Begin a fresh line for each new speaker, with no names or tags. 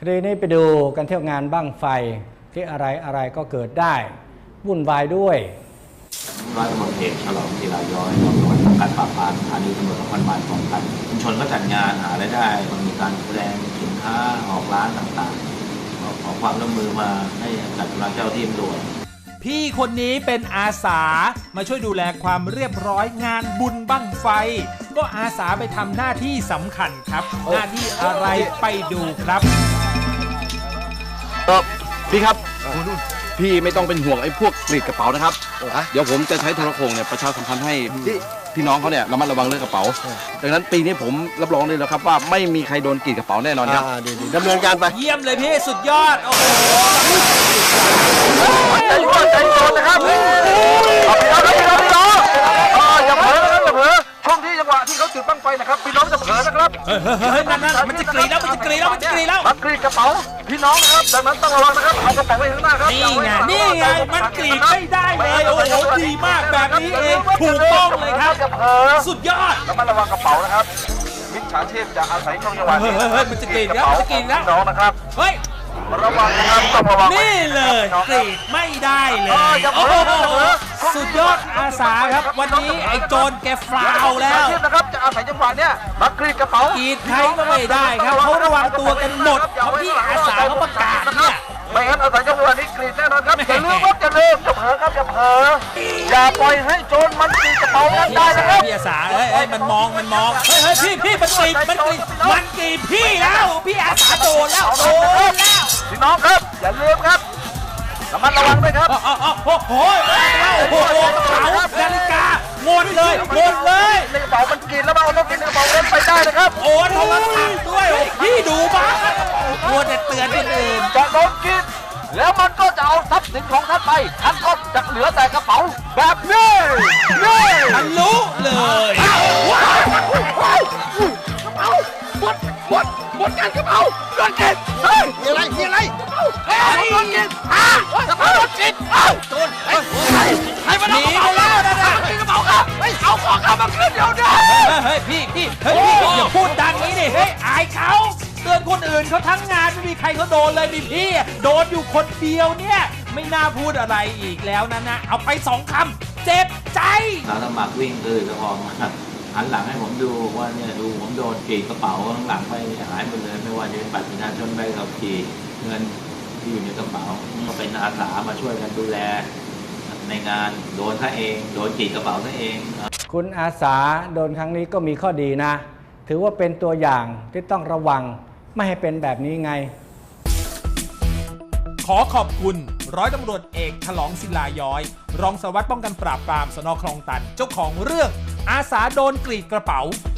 ดีนี้ไปดูกันเที่ยวงานบั้งไฟที่อะไรก็เกิดได้วุ่นวายด้วย
ร้อยตำรวจเอกฉลองศิลาย้อยรองสารวัตรป้องกันปราบปรามสถานีตำรวจนครบาลคลองตันชุมชนก็จัดงานหารายได้มีการแสดงสินค้าออกร้านต่างๆขอความร่วมมือมาให้จัดกำลังเจ้าที่ตำรวจ
พี่คนนี้เป็นอาสามาช่วยดูแลความเรียบร้อยงานบุญบั้งไฟก็อาสาไปทำหน้าที่สำคัญครับหน้าที่อะไรไปดูครับ
พี่ครับพี่ไม่ต้องเป็นห่วงไอ้พวกกรีดกระเป๋านะครับเดี๋ยวผมจะใช้โทรโข่งเนี่ยประชาสัมพันธ์ให้พี่น้องเขาเนี่ยระมัดระวังเรื่องกระเป๋าดังนั้นปีนี้ผมรับรองเลยแล้วครับว่าไม่มีใครโดนกรีดกระเป๋าแน่นอนครับ
ดีดำเนินการไป
เยี่ยมเลยพี่สุดยอดโอ้โห
ใจโยนนะครับพี่น้องอย่าเผลอนะครับอย่าเผลอช่วงที่จังหวะที่เขาจุดบั้งไฟนะครับพี่น้องจะเผลอนะครับ
เฮ้ยนั่นมันจะกรีดแล้วมันกรีดแล้ว
มันกรีดกระเป๋าพี่น้องนะครับดังนั้นต้องระวังนะครับเอากระเป๋าไว้ข้างหน้าครับ
นี่ไงมันกรีดไม่ได้เลยโอ้โหดีมากแบบนี้เองถูกต้องเลยครับสุดยอด
ระมัดระวังกระเป๋านะครับมิจฉาชีพจะอาศัยช่วงจังหวะนี้
มันจะกรีดแล้ว
น้องนะครับ
เฮ้ย
ระวังนะครับต้องระวัง
นี่เลยกรีดไม่ได้เลยโอ้โหสุดยอดอาสาครับวันนี้ไอ้โจรแกฟาวแล้ว
นะครับจะอาศัยจังหวะเนี้ยมากรีดกระเป๋าก
รีดใครก็ไม่ได้ครับเขาระวังตัวกันหมดเพราะพี่อาสาเขาประกาศเนี่ย
ไม่งั้นอาศัยจังหวะนี้กรีดแน่นอนครับอย่าลืมครับอย่าลืมอย่าเผลอครับอย่าเผลออย่าปล่อยให้โจรมันกรีดกระเป๋านั้นได้นะครับ
พี่อาสาเฮ้ยมันมองเฮ้ยพี่มันกรีดพี่แล้วพี่อาสาโดนแล้ว
พี่น้องครับอย่าลืมครับระมัดระวังด้วยครับ
โอ้โหกระเป๋านาฬิกาหมดเลย
ในกระเป๋ามันกรีดแล้วมันเอาต้องกินในกระเป๋าเล่นไปได้นะครับ
โอนโทรศัพท์ด้วยพี่ดูบ้างมัวแต่เตือนคนอื่น
จะโดนกินแล้วมันก็จะเอาทรัพย์สินของท่านไปท่านก็จะเหลือแต่กระเป๋าแบบนี้
ทะลุเลย
กระเป๋าหมดกันกระเป๋าโดนกินเฮ้ยมีอะไรโดนกินกระเป๋าโดนกินโดนให้มันเอากระเป๋าแล้วนะกระเป๋าค่ะเอาของข้ามาขึ้นเดี๋ยวนี้
เฮ้ยพี่อย่าพูดดังนี้ดิเฮ้ยอายเขาเตือนคนอื่นเขาทั้งงานไม่มีใครเขาโดนเลยมีพี่โดนอยู่คนเดียวเนี่ยไม่น่าพูดอะไรอีกแล้วนะเอาไป2 คำเจ็บใจ
เราสมัครวิ่งก็พอมาหันหลังให้ผมดูว่าเนี่ยดูผมโดนกรีดกระเป๋าข้างหลังไปหายหมดเลยไม่ว่าจะเป็นบัตรประชาชนใบขับขี่เงินที่อยู่ในกระเป๋าก็เป็นอาสามาช่วยกันดูแลในงานโดนท่าเองโดนกรีดกระเป๋าท่าเอง
คุณอาสาโดนครั้งนี้ก็มีข้อดีนะถือว่าเป็นตัวอย่างที่ต้องระวังไม่ให้เป็นแบบนี้ไง
ขอขอบคุณร้อยตำรวจเอกฉลองศิลาย้อยรองสารวัตรป้องกันปราบปรามสน.คลองตันเจ้าของเรื่องอาสาโดนกรีดกระเป๋า